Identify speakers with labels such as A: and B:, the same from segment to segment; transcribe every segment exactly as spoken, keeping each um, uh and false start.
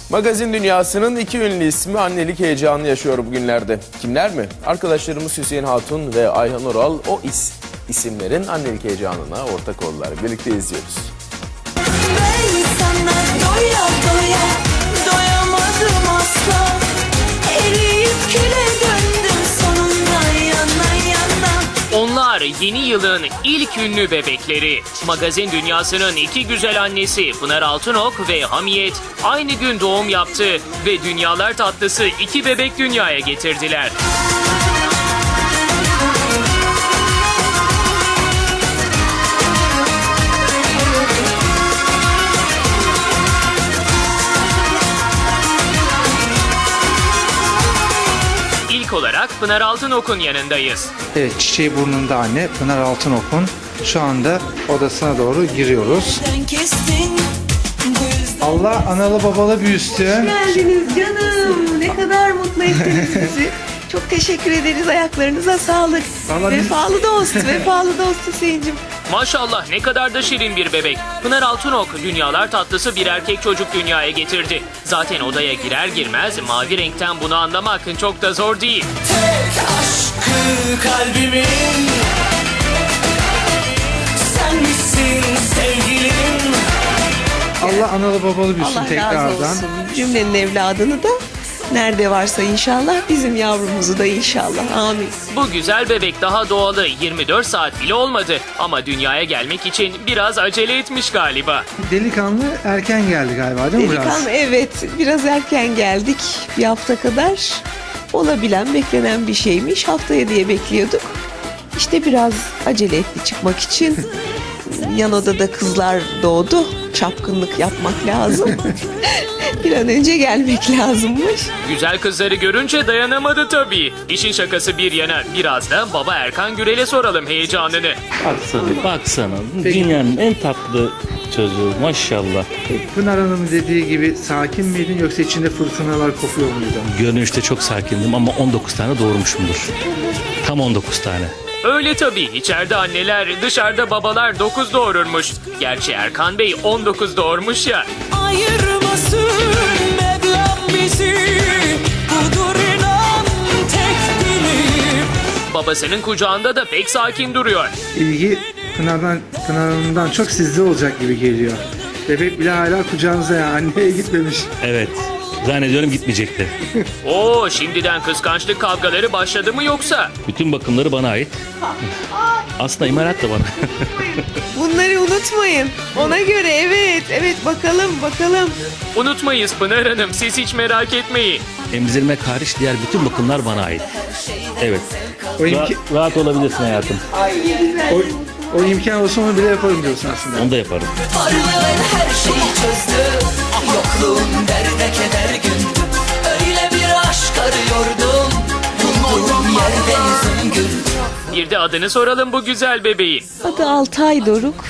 A: Magazin dünyasının iki ünlü ismi annelik heyecanı yaşıyor bugünlerde. Kimler mi? Arkadaşlarımız Hüseyin Hatun ve Ayhan Oral o is isimlerin annelik heyecanına ortak oldular. Birlikte izliyoruz.
B: Ben sana doya doya doyamadım asla. Eriyip küle döndüm sonunda yana yana.
C: Onlar yeni yılın ilk ünlü bebekleri. Magazin dünyasının iki güzel annesi Pınar Altunok ve Hamiyet aynı gün doğum yaptı ve dünyalar tatlısı iki bebek dünyaya getirdiler. İlk olarak Pınar Altunok'un yanındayız.
D: Evet, çiçeği burnunda anne Pınar Altunok'un şu anda odasına doğru giriyoruz.
B: Sen kestin bu yüzden.
D: Allah analı babalı büyüsün.
E: Geldiniz canım. Ne kadar mutlu ettiniz bizi. Çok teşekkür ederiz. Ayaklarınıza sağlık.
D: Vallahi biz-
E: Vefalı dost, vefalı dost Hüseyin'cim.
C: Maşallah ne kadar da şirin bir bebek. Pınar Altunok dünyalar tatlısı bir erkek çocuk dünyaya getirdi. Zaten odaya girer girmez mavi renkten bunu anlamak çok da zor değil.
B: Tek aşkı kalbimin sen misin sevgilim.
D: Allah analı babalı büyüsün
E: Allah razı
D: tekrardan.
E: olsun. Cümlenin evladını da nerede varsa inşallah, bizim yavrumuzu da inşallah. Amin.
C: Bu güzel bebek daha doğalı yirmi dört saat bile olmadı ama dünyaya gelmek için biraz acele etmiş galiba.
D: Delikanlı erken geldi galiba değil mi biraz?
E: Delikanlı, evet, biraz erken geldik. Bir hafta kadar olabilen, beklenen bir şeymiş. Haftaya diye bekliyorduk. İşte biraz acele etti çıkmak için. Yan odada kızlar doğdu. Çapkınlık yapmak lazım. Bir an önce gelmek lazımmış.
C: Güzel kızları görünce dayanamadı tabii. İşin şakası bir yana biraz da baba Erkan Gürel'e soralım heyecanını.
F: Baksana, baksana. Dünyanın en tatlı çocuğu maşallah.
D: Pınar Hanım'ın dediği gibi sakin miydin yoksa içinde fırtınalar kopuyor muydu?
F: Görünüşte çok sakindim ama on dokuz tane doğurmuşumdur. Tam on dokuz tane.
C: Öyle tabii içeride anneler dışarıda babalar dokuz doğururmuş. Gerçi Erkan Bey on dokuz doğurmuş ya.
B: Ayırmasın Mevlam bizi. Budur inan tek dilim.
C: Babasının kucağında da pek sakin duruyor.
D: İlgi Pınar'dan, Pınar Hanım'dan çok sizde olacak gibi geliyor. Bebek bile hala kucağınıza ya, anneye gitmemiş.
F: Evet. Zannediyorum gitmeyecekti.
C: Oo şimdiden kıskançlık kavgaları başladı mı yoksa?
F: Bütün bakımları bana ait. Aslında imalat da bana.
E: Bunları unutmayın. Ona göre, evet, evet, bakalım, bakalım.
C: Unutmayız Pınar Hanım siz hiç merak etmeyin.
F: Emzirmek hariç diğer bütün bakımlar bana ait. Evet.
D: O, imki-
F: Rahat, rahat olabilirsin hayatım.
D: o, o imkan olsa onu bile yaparım diyorsun aslında.
F: Onu da yaparım.
B: Varlığın her şeyi çözdü. Yokluğun derde keder gündü. Öyle bir aşk arıyordum. Bulduğum yerde yüzüm güldü.
C: Bir de adını soralım bu güzel bebeğin.
E: Adı Altay Doruk.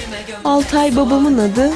E: Altay babamın adı.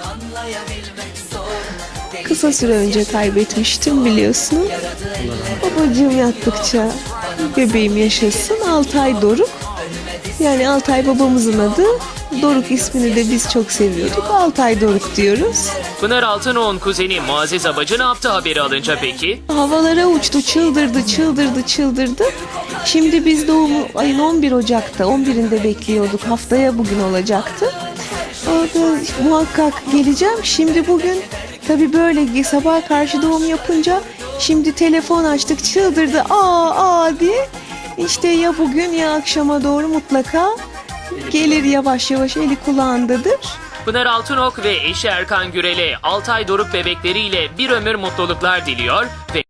E: Kısa süre önce kaybetmiştim biliyorsun. Babacığım yattıkça bebeğim yaşasın. Altay Doruk. Yani Altay babamızın adı. Doruk ismini de biz çok seviyorduk. Altay Doruk diyoruz.
C: Pınar Altunok'un kuzeni Muazzez Abacı ne yaptı haberi alınca peki?
E: Havalara uçtu, çıldırdı, çıldırdı, çıldırdı. Şimdi biz doğumu ayın on bir Ocak'ta, on birinde bekliyorduk. Haftaya bugün olacaktı. Orada muhakkak geleceğim. Şimdi bugün tabii böyle sabah karşı doğum yapınca şimdi telefon açtık, çıldırdı. Aa aa diye. İşte ya bugün ya akşama doğru mutlaka gelir, yavaş yavaş eli kulağındadır.
C: Pınar Altunok ve eşi Erkan Gürel'e Altay Doruk bebekleriyle bir ömür mutluluklar diliyor ve